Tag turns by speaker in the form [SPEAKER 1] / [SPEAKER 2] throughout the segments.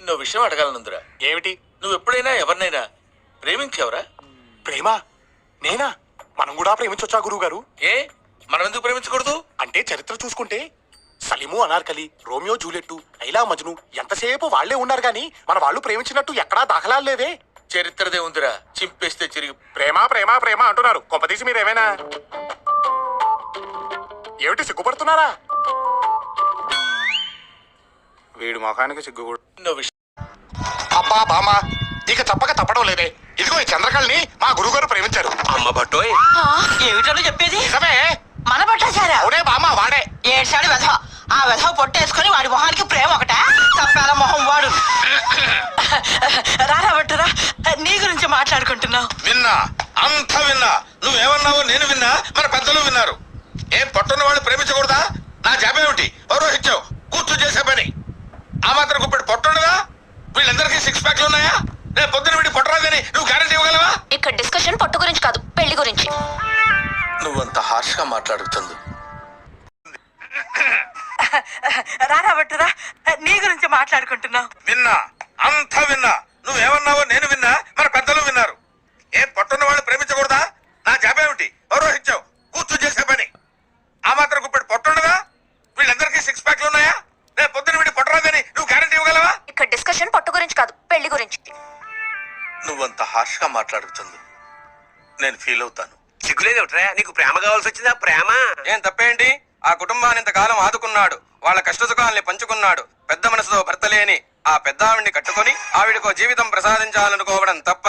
[SPEAKER 1] నువ్వు విషయం అడగాలనుందిరా.
[SPEAKER 2] ఏమిటి?
[SPEAKER 1] నువ్వు ఎప్పుడైనా ఎవరినైనా ప్రేమించావురా?
[SPEAKER 2] ప్రేమ? నేనా? మనం కూడా ప్రేమించొచ్చా గురువు గారు?
[SPEAKER 1] ఏ మనం ఎందుకు ప్రేమించకూడదు?
[SPEAKER 2] అంటే చరిత్ర చూసుకుంటే సలీము అనార్కలి, రోమియో జూలియట్టు, లైలా మజ్ను ఎంతసేపు వాళ్లే ఉన్నారు గాని మన వాళ్ళు ప్రేమించినట్టు ఎక్కడా దాఖలాలు లేవే.
[SPEAKER 1] చరిత్రదే ఉందిరా, చింపేస్తే చిరిగి.
[SPEAKER 2] ప్రేమ ప్రేమ ప్రేమ అంటున్నారు. కొంపదీసి మీరేమైనా ఏమిటి సిగ్గుపడుతున్నారా? వీడు మొఖానికి సిగ్గు కూడా.
[SPEAKER 1] నువ్వు విషయం
[SPEAKER 2] అబ్బా బామా, ఇక తప్పక తప్పడం లేదే. ఇదిగో ఈ చంద్రకళని మా గురువుగారు ప్రేమించారు.
[SPEAKER 1] అమ్మ బట్టోయ్,
[SPEAKER 3] ఏమిటో చెప్పేది?
[SPEAKER 2] నిజమే.
[SPEAKER 3] మన పట్టాచారా?
[SPEAKER 2] అవునే బామా, వాడే.
[SPEAKER 3] ఏడ్చాడు వెధవ. ఆ వెధవ పొట్టేసుకుని వాడి మొహానికి ప్రేమ ఒకట తప్పాల మొహం వాడు. రారా బట్టురా, నీ గురించి మాట్లాడుకుంటున్నావు.
[SPEAKER 1] విన్నా, అంతా విన్నా. నువ్వేమన్నావో నేను విన్నా, మన పెద్దలు విన్నారు. ఏం పట్టున్న వాళ్ళు ప్రేమించకూడదా? నా జాబేమిటి? పౌరోహిత్యం కూర్చో చేసే పని. ఆ మాత్రం గుప్పెడు పొట్టుండదా? వీళ్ళందరికీ సిక్స్ ప్యాక్లు ఉన్నాయా? రేపు పొద్దున వీడి పొట్టరాదని నువ్వు గ్యారెంటీ ఇవ్వగలవా?
[SPEAKER 4] ఇక్కడ డిస్కషన్ పొట్టు గురించి కాదు, పెళ్లి గురించి.
[SPEAKER 1] నువ్వంత హార్ష్ గా మాట్లాడుతుంది.
[SPEAKER 3] రారా బట్టురా, నీ గురించి మాట్లాడుకుంటున్నావు.
[SPEAKER 1] విన్నా, అంతా విన్నా. నువ్వేమన్నావో నేను విన్నా, మన పెద్దలు విన్నారు. ఏం పట్టున్న వాళ్ళు ప్రేమించకూడదా? నా జాబేమిటి? పౌరోహిత్యం కూర్చో చేసే పని. ఆ మాత్రం గుప్పెడు పొట్టుండదా? వీళ్ళందరికీ సిక్స్ ప్యాక్లు ఉన్నాయా? రేపు పొద్దున వీడి పొట్టరాదని నువ్వు గ్యారెంటీ ఇవ్వగలవా?
[SPEAKER 4] ఇక్కడ డిస్కషన్ పొట్టు గురించి కాదు, పెళ్లి గురించి.
[SPEAKER 1] నువ్వంత హార్ష్ గా మాట్లాడుతుంది, నేను ఫీల్ అవుతాను.
[SPEAKER 5] సిగ్గులేదేమిట్రా? నీకు ప్రేమ కావాల్సి వచ్చిందా? ప్రేమ
[SPEAKER 6] ఏం తప్పేంటి? ఆ కుటుంబాన్ని ఇంతకాలం ఆదుకున్నాడు, వాళ్ళ కష్టసుఖాల్ని పంచుకున్నాడు. పెద్ద మనసుతో భర్త లేని ఆ పెద్ద ఆవిడ్ని కట్టుకుని ఆవిడకో జీవితం ప్రసాదించాలనుకోవడం తప్ప?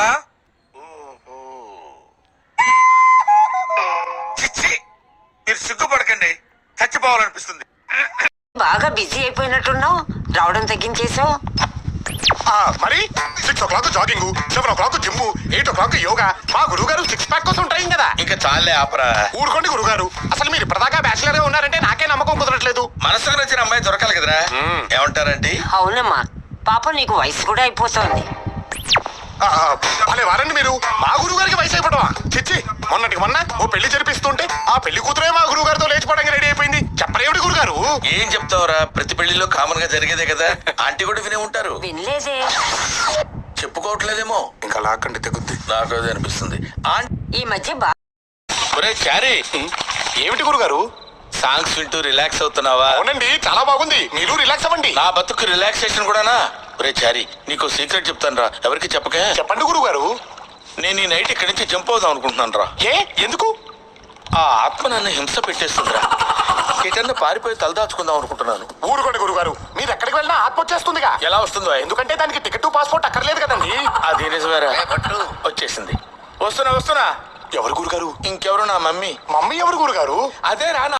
[SPEAKER 1] చిచ్చి, మీరు సిగ్గుపడకండి, చచ్చిపోవాలనిపిస్తుంది.
[SPEAKER 7] బాగా బిజీ అయిపోయినట్టున్నావు, రావడం తగ్గించేసావు.
[SPEAKER 2] మరి 6 o'clock jogging, 7 o'clock gym, 8 o'clock yoga. మా గురువు గారు సిక్స్ ప్యాక్ కోసం ట్రైన్ కదా.
[SPEAKER 1] ఇంకా చాలే ఆపరా.
[SPEAKER 2] ఊరుకోండి గురుగారు, అసలు మీరు ఇప్పటిదాకా బ్యాచిలర్ గా ఉన్నారంటే నాకే నమ్మకం కుదరట్లేదు.
[SPEAKER 1] మనసుకు నచ్చిన అమ్మాయి దొరకాలి కదరా. ఏమంటారండి?
[SPEAKER 7] అవునమ్మా, పాపం నీకు వయసు కూడా అయిపోతుంది.
[SPEAKER 2] భలే వారండి మీరు. మా గురువు గారికి వయసు అయిపోవడమా? చిచ్చి, మొన్నటికి మొన్న ఓ పెళ్లి జరిపిస్తుంటే ఆ పెళ్లి కూతురే మా గురువు గారితో లేచిపోవడానికి రెడీ అయిపోయింది. చెప్పరేమిటి గురుగారు?
[SPEAKER 1] ఏం చెప్తావురా, ప్రతి పెళ్లిలో కామన్ గా జరిగేదే కదా. ఆంటీ కూడా వినే ఉంటారు.
[SPEAKER 7] వినలేదే.
[SPEAKER 1] చెప్పుకోవట్లేదేమో.
[SPEAKER 2] ఇంకా లాక్కండి తెగుద్ది.
[SPEAKER 1] నాకు అదే అనిపిస్తుంది.
[SPEAKER 7] ఈ మధ్య బాగా
[SPEAKER 1] ఒరే చారీ,
[SPEAKER 2] ఏమిటి గురుగారు?
[SPEAKER 1] సాంగ్స్ వింటూ రిలాక్స్ అవుతున్నావా?
[SPEAKER 2] అవునండి, చాలా బాగుంది. మీరు రిలాక్స్ అవ్వండి.
[SPEAKER 1] నా బతుకు రిలాక్సేషన్ కూడానా? ఒరే చారీ, నీకు సీక్రెట్ చెప్తాను రా, ఎవరికి చెప్పకే.
[SPEAKER 2] చెప్పండి గురుగారు.
[SPEAKER 1] నేను ఈ నైట్ ఇక్కడి నుంచి జంప్ అవుదాం అనుకుంటున్నాను రా.
[SPEAKER 2] ఏ ఎందుకు?
[SPEAKER 1] ఆ ఆత్మ నన్ను హింస పెట్టేస్తుందిరా. ఎటన్నా పారిపోయి తలదాచుకుందాం అనుకుంటున్నాను.
[SPEAKER 2] ఊరుకోండి గురుగారు, మీరు ఎక్కడికి వెళ్ళినా ఆత్మ వచ్చేస్తుందిగా.
[SPEAKER 1] ఎలా వస్తుందో?
[SPEAKER 2] ఎందుకంటే దానికి టికెట్ పాస్పోర్ట్ అక్కర్లేదు కదండి.
[SPEAKER 1] అది నిజమేరా. వచ్చేసింది. వస్తున్నా.
[SPEAKER 2] ఎవరు గురుగారు?
[SPEAKER 1] ఇంకెవరు? నా మమ్మీ.
[SPEAKER 2] మమ్మీ ఎవరు గురుగారు?
[SPEAKER 1] అదే రా.